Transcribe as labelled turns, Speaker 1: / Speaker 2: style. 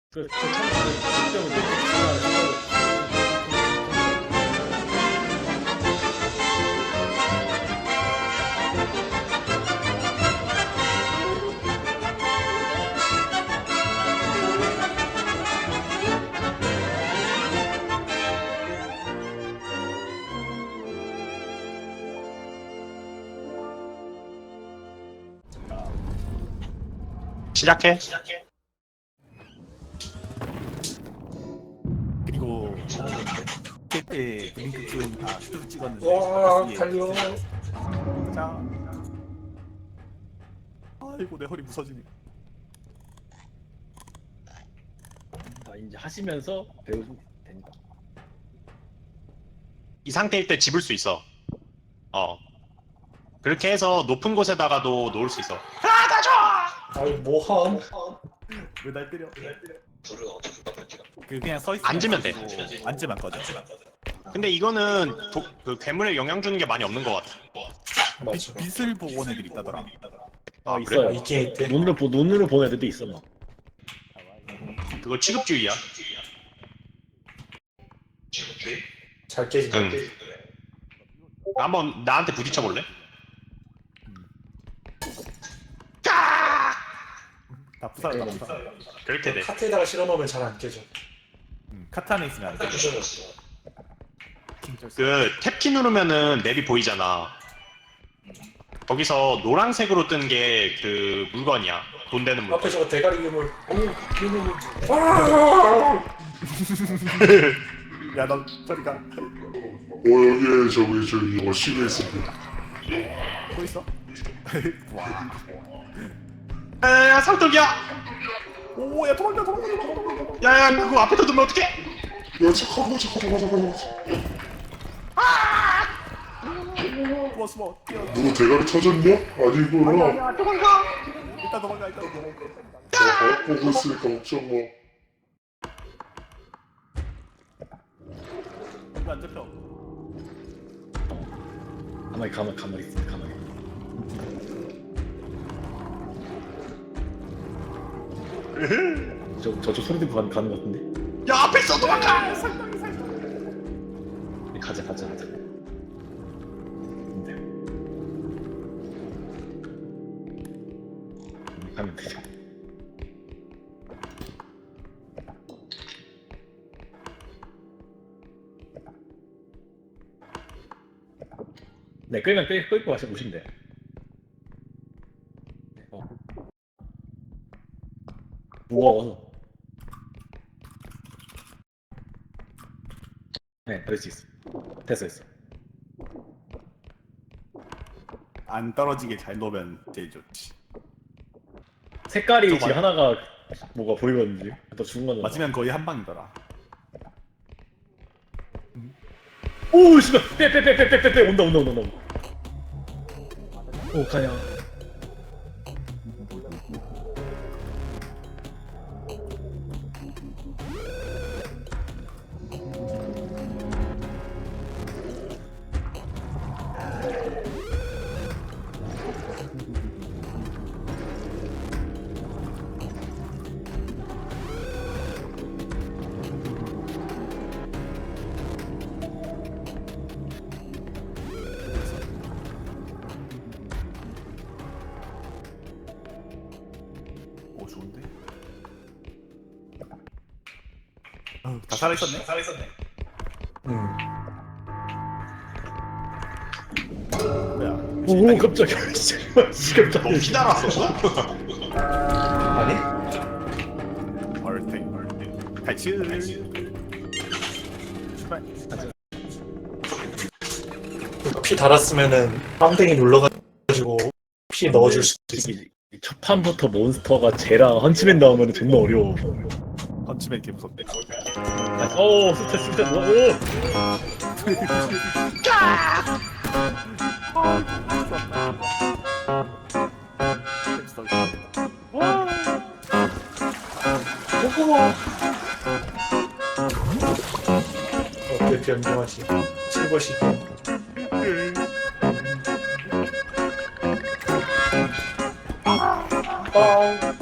Speaker 1: 시작해.
Speaker 2: 그리고 그때 블링크 키운 슈트 찍었는데
Speaker 3: 와
Speaker 2: 위에
Speaker 3: 달려.
Speaker 2: 자 아이고 내 허리 부서지네.
Speaker 3: 이제 하시면서 배우면 된다.
Speaker 1: 이 상태일 때 집을 수 있어. 그렇게 해서 높은 곳에다가도 놓을 수 있어. 아, 나 줘!
Speaker 3: 아이 뭐함?
Speaker 2: 왜 날 때려? 그냥 서 있어.
Speaker 1: 앉으면 돼.
Speaker 2: 앉으면 꺼져.
Speaker 1: 근데 이거는 그 괴물에 영향 주는 게 많이 없는 것 같아.
Speaker 3: 맞아.
Speaker 2: 빛을 보고 온 애들이 있다더라.
Speaker 1: 아,
Speaker 3: 있어요.
Speaker 1: 그래?
Speaker 3: 이게 있대. 눈으로 보는 애들도 있어 막.
Speaker 1: 그거 취급주의야.
Speaker 3: 잘 깨지.
Speaker 1: 응. 한번 나한테 부딪혀 볼래?
Speaker 2: 다 부사다 부사.
Speaker 1: 그렇게 돼.
Speaker 3: 카트에다가 실어놓으면 잘 안 깨져.
Speaker 2: 카트 안에 있으면 안 돼.
Speaker 1: 그 탭키 누르면은 맵이 보이잖아. 거기서 노란색으로 뜬 게 그 물건이야. 돈 되는 물건.
Speaker 3: 앞에 저거 대가리 괴물. 오 괴물.
Speaker 2: 야너 저리 가.
Speaker 4: 여기에 저기 워시가 있습니다.
Speaker 2: 또 있어? 와.
Speaker 1: 야, 상떡이야!
Speaker 2: 오야 도망가.
Speaker 1: 야, 그거 앞에다 두면 어떡해?
Speaker 4: 야 잠깐만.
Speaker 2: 숨어. 뛰어.
Speaker 4: 누구 대가리 터졌냐? 아니구나.
Speaker 2: 일단 도망가.
Speaker 4: 나 보고 있으니까 걱정 마.
Speaker 2: 이거 안 잡혀.
Speaker 3: 가만히 있어. 가만히. 저쪽 소리 듣고 가는 것 같은데.
Speaker 1: 야, 앞에 있어! 도망가!
Speaker 3: 가자. 가면 되죠. 네, 끌고 가서 오시면 돼요. 무거워서. 네, 그럴 수 있어. 됐어.
Speaker 2: 안 떨어지게 잘 놓으면 제일 좋지.
Speaker 3: 색깔이 지금 하나가 뭐가 보이거든요. 또 죽은 거는.
Speaker 2: 맞으면 거의 한 방이더라.
Speaker 3: 오, 씨발! 빼! 온다. 오, 가냐.
Speaker 2: 오 좋은데? 다 살아있었네? 뭐야?
Speaker 3: 오, 깜짝이야. 깜짝이야.
Speaker 1: 너무 기다렸어.
Speaker 3: 아니?
Speaker 2: 얼탱 탈출. 출발.
Speaker 3: 피 달았으면은 빵댕이 눌러가지고 피 넣어줄 수 있어. 첫 판부터 몬스터가 쟤랑 헌치맨 나오면 존나 어려워.
Speaker 2: 헌치맨 개 무섭대.
Speaker 3: 오, 스트레스. 오! 어때 변경하시? 실버시. 빵.